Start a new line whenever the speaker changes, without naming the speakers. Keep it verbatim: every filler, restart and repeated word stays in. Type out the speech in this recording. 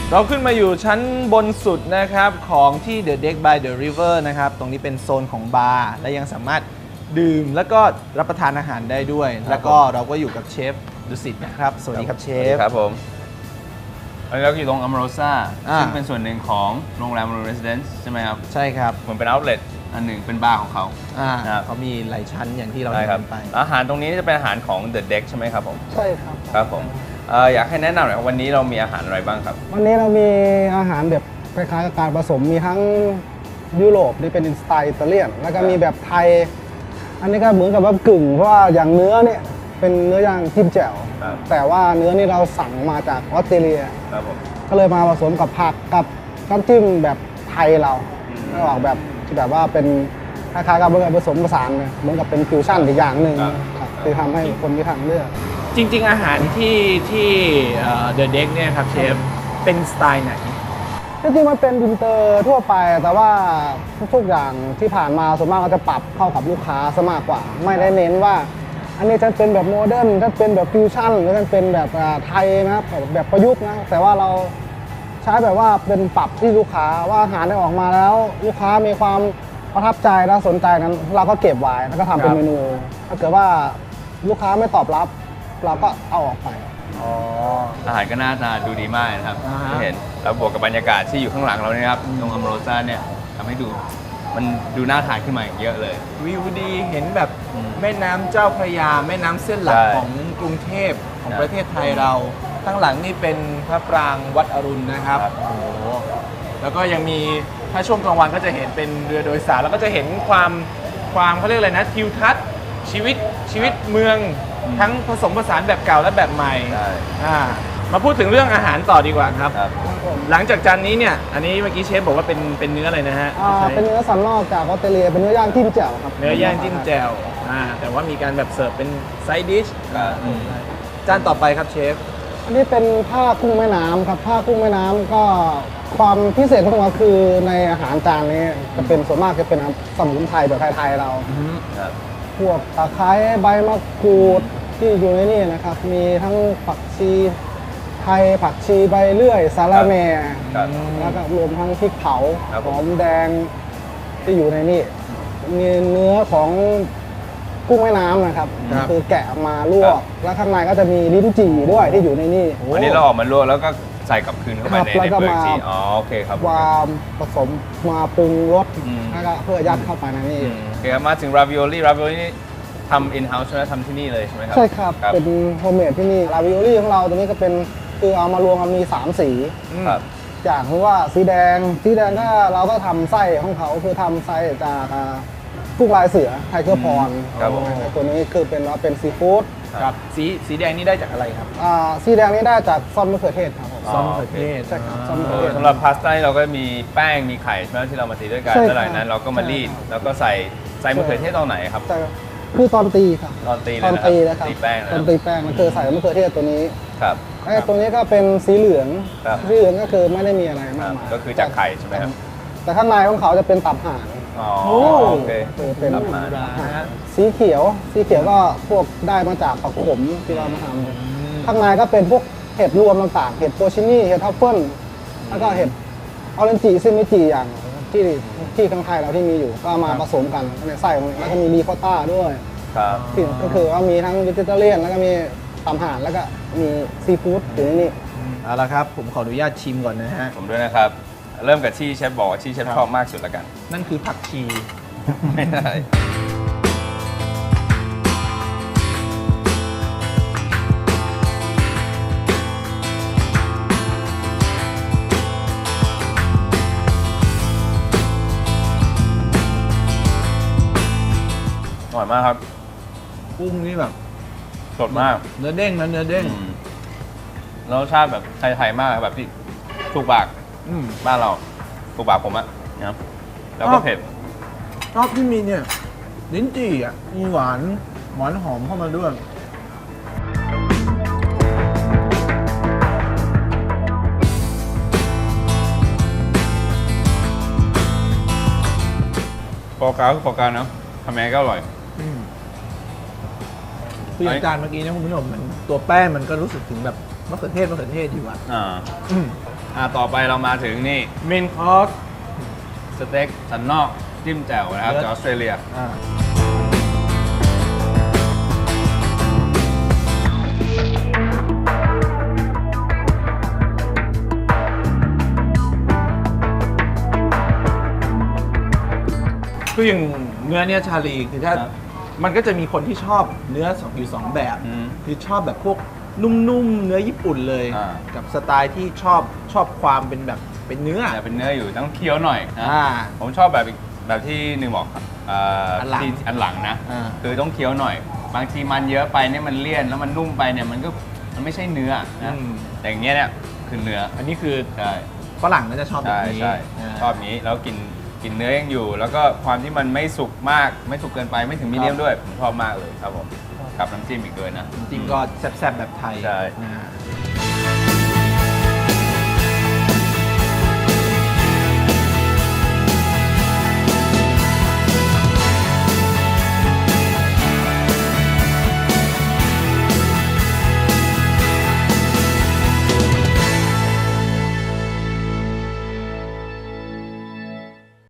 เราขึ้นมาอยู่ชั้นบนสุดนะครับของที่ The Deck by the River นะครับตรงนี้เป็นโซนของบาร์และยังสามารถดื่มแล้วก็รับประทานอาหารได้ด้วย แล้วก็เราก็อยู่กับเชฟดุสิตนะครับสวัสดีครับเชฟ
ครับผมอันนี้เราอยู่ตรงอัมโรซ่า
อ่า
ซึ่งเป็นส่วนหนึ่งของโรงแรมโรเรสเดนซ์ใช่ไหมครับ
ใช่ครับ
เหมือนเป็นเอาท์เลทอันหนึ่งเป็นบาร์ของเขา
อ่า
ครับ
เขามีหลายชั้นอย่างที่เรา
ใช่
เห็น
ครับ
กันไป
อาหารตรงนี้จะเป็นอาหารของ The Deck ใช่ไหมครับผม
ใช่ครับ
ครับผมเอ่ออยากให้แนะนำหน่อยว่าวันนี้เรามีอาหารอะไรบ้างครับ
วันนี้เรามีอาหารแบบคล้ายๆกับการผสมมีทั้งยุโรปที่เป็นสไตล์อิตาเลียนแล้วก็มีแบบไทย อันนี้ก็เหมือนกับว่ากึ่งเพราะว่าอย่างเนื้อเนี่ยเป็นเนื้อย่างจิ้มแจ่ว
ครับ
แต่ว่าเนื้อนี่เราสั่งมาจากออสเตรเลีย
ครับผม
ก็เลยมาผสมกับผักกับน้ำจิ้มแบบไทยเรา
อืม
ไม่ออกแบบที่แบบว่าเป็นคล้ายๆกับผสมผสานเลยเหมือนกับเป็นฟิวชั่นอีกอย่างหนึ่ง
ครับ
ครับที่ทำให้คนมีทางเลือก
จริง ๆ อาหารที่ที่เอ่อ The Deck เนี่ยครับเชฟเป็นสไตล์ไหน
จริงๆมันเป็นอินเตอร์ทั่วไปแต่ว่าทุกๆอย่างที่ผ่านมาส่วนมากก็จะปรับเข้ากับลูกค้าซะมากกว่า ไม่ได้เน้นว่า อันนี้จะเป็นแบบโมเดิร์นจะเป็นแบบฟิวชั่นหรือจะเป็นแบบอ่าไทยนะครับแบบประยุกต์นะแต่ว่าเราใช้แบบว่าเป็นปรับที่ลูกค้าว่าอาหารได้ออกมาแล้ว ลูกค้ามีความประทับใจและสนใจนั้น เราก็เก็บไว้แล้วก็ทำเป็น
ครับ
เมนู ถ้าเกิดว่าลูกค้าไม่ตอบรับ เราก็เอาออกไป
อ๋อ
อาหารก็น่าทานดูดีมากนะครับ
อ่าฮะ
ที่เห็นแล้วบวกกับบรรยากาศที่อยู่ข้างหลังเราเนี่ยครับตรงอัมโรซ่าเนี่ยทำให้ดูมันดูน่าทานขึ้นมาอีกเยอะเลย
วิวดีเห็นแบบ
อืม
แม่น้ำเจ้าพระยาแม่น้ำเส้นหลัก
ใช่
ของกรุงเทพของ
ใช่
ประเทศไทยเราข้างหลังนี่เป็นพระปรางวัดอรุณนะครับ
ครับ
โอ้โหแล้วก็ยังมีถ้าช่วงกลางวันก็จะเห็นเป็นเรือโดยสารแล้วก็จะเห็นความความเขาเรียกอะไรนะทิวทัศน์ชีวิตชีวิตเมืองทั้งผสมผสานแบบเก่าและแบบใหม่
ใช่
อ่ามาพูดถึงเรื่องอาหารต่อดีกว่าครับ
ครับ
หลังจากจานนี้เนี่ยอันนี้เมื่อกี้เชฟบอกว่าเป็นเป็นเนื้ออะไรนะฮะ
อ่า
ใช้
เป็นเนื้อสันนอกจากออสเตรเลียเป็นเนื้อย่างจิ้มแจ่วครับ
เนื้อย่างจิ้มแจ่วอ่าแต่ว่ามีการแบบเสิร์ฟเป็นไซด์ดิช
ครับ
อืมจานต่อไปครับเชฟ
อันนี้เป็นผ้ากุ้งแม่น้ำครับผ้ากุ้งแม่น้ำก็ความพิเศษของมันคือในอาหารจานนี้จะเป็นส่วนมากจะเป็นสมุนไพรแบบไทยๆเรา
ครับ
พวกตะไคร้ใบมะกรูดที่อยู่ในนี่นะครับ มีทั้งผักชีไทยผักชีใบเลื่อยสาระแหน่
ครับ
แล้วก็รวมทั้งพริกเผา
ครับ
ห
ผม
อมแดงที่อยู่ในนี่มีเนื้อของกุ้งแม่น้ำนะครับ
ครับ
คือแกะออกมาลว
ครั
ก
บ
แล้วข้างในก็จะมีลิ้นจี่ด้วยที่อยู่ในนี่
วันนี้เราออกมาลวกแล้วก็ใส่กลับคืนเข้าไป
ครับ
ใน
แล้ว
ใน
ก็
เปลือก
มา
จีอ๋อโอเคครับ
วามผสมมาปรุงรส
อืม
แล้วก็เพื่อยัดเข้าไปในนี่
อืมโอเคครับมาถึงราวิโอลี่ราวิโอลี่ทำอินเฮ้าส์ใช่ไหมทำที่นี่เลยใช่ไหมครับ
ใช่ครับ
ครับ
เป็นโฮมเมดที่นี่ลาวิโอลี่ของเราตัวนี้ก็เป็นคือเอามารวมกันมีสามสี
ครับ
อย่างคือว่าสีแดงสีแดงก็เราก็ทำไส้ของเขาคือทำไส้จากอ่ากุ้งลายเสือไทเกอร์พร
ครับผม
ตัวนี้คือเป็นว่าเป็นซีฟู้ด
ครับสีสีแดงนี่ได้จากอะไรครับ
อ่าสีแดงนี่ได้จากซอสมะเขือเทศครับผม
อ๋อ
ซอสมะเขือเทศ
ใช่ครับซอสมะ
เอ
เขื
อ
อเทศ
สำหรับพาสต้านี่เราก็มีแป้งมีไข่ใช่ไหมที่เรามาตีด้วยกัน
ใช่
แล้วหลัง
ครับ
นั้นเราก็มารีดแล้วก็ใส่ใส่มะเขือเทศตอนไหนครับ
แต่คือตอนตีครับ
ตอนตีเลย
ตอน
นะครับ
ตีนะครับ
ตีแป้งนะ
ตอนตีแป้งมันคือใส่มะเขือเทศตัวนี้
ครับ
ไอ้ตัวนี้ก็เป็นสีเหลือง
ครับ
สีเหลืองก็คือไม่ได้มีอะไร
ค
มา
รั
ก
บ
มาย
ก็คือจากไข่ใช่ไหมครับ
แต่ข้างในของเขาจะเป็นตับห่าน
อ๋อ
โอ้
โอเค
คือเป็น
ตับห่าน
นะฮะ
สีเขียว สีเขียวก็พวกได้มาจากผักขมที่เรามาทำข้างในก็เป็นพวกเห็ดรวมต่างๆ เห็ดโพชินี่ เห็ดทัฟเฟิล แล้วก็เห็ดออเรนจิซิมิจิอย่างที่ที่ข้างไทยเราที่มีอยู่ ก็เอามาผสมกันในไส้ของมันแล้วก็มีรีคอตต้าด้วย
ครับ
ที่ก็คือว่ามีทั้งวิจิเตอร์เลียนแล้วก็มีตำห่านแล้วก็มีซีฟู้ดอยู่ในนี้
เอาละครับ ผมขออนุญาตชิมก่อนนะฮะ
ผมด้วยนะครับ เริ่มกับที่เชฟบอกว่าที่เชฟ
ครับ
ชอบมากสุดละกัน
นั่นคือผักชี
ไม่ได้ อร่อยมากครับ
กุ้งนี่แบบ
สดมาก
เนื้อเด้งนะเนื้อเด้ง
อืมแล้วรสชาติแบบไทยๆมากแบบที่ถูกปาก
อืม
บ้านเราถูกปากผมอะนะครับแล้วก็เผ็ด
ชอบที่มีเนี่ยลิ้นจี่อ่ะมีหวานหวานหอมเข้ามาด้วย
โฟกัสคือโฟกัสเนอะทำยังไงก็อร่อย
คืออย่างจานเมื่อกี้เนี่ยคุณผู้ชมมันตัวแป้งมันก็รู้สึกถึงแบบมะเขือเทศมะเขือเทศอยู่อ่ะ
อ่า
อืมอ
อ่าต่อไปเรามาถึงนี่มินคอสสเต็กสันนอกจิ้มแจ่วนะครับ
เลิศ
จากออสเตรเลีย
อ่าคืออย่างเนื้อเนี่ยชาลีคือถ้า
ครับ
มันก็จะมีคนที่ชอบเนื้อสองอยู่สองแบบ
อืม
คือชอบแบบพวกนุ่มๆเนื้อญี่ปุ่นเลย
อ่า
กับสไตล์ที่ชอบชอบความเป็นแบบเป็นเนื้อ
แต่เป็นเนื้ออยู่ต้องเคี้ยวหน่อยนะ
อ่า
ผมชอบแบบอีกแบบที่หนึ่งบอกครับเอ่ออน
หลัง
ที่อันหลังนะ
อ่า
คือต้องเคี้ยวหน่อย บางทีมันเยอะไปเนี่ยมันเลี่ยนแล้วมันนุ่มไปเนี่ยมันก็มันไม่ใช่เนื้อนะ
อืม
แต่อย่างเงี้ยเนี่ยคือเนื้อ
อันนี้คือ
ใช่
ฝรั่งน่าจะชอบแบบ
ใช่
นี้
ใช่
า
ชอบนี้แล้วกินกินเนื้อยังอยู่ แล้วก็ความที่มันไม่สุกมากไม่สุกเกินไปไม่ถึงมีเดียมด้วยผมชอบมากเลยครับผมกับน้ำจิ้มอีกด้วยนะ
จริงๆก็แซ่บๆแบบไทย
ใช่
นะ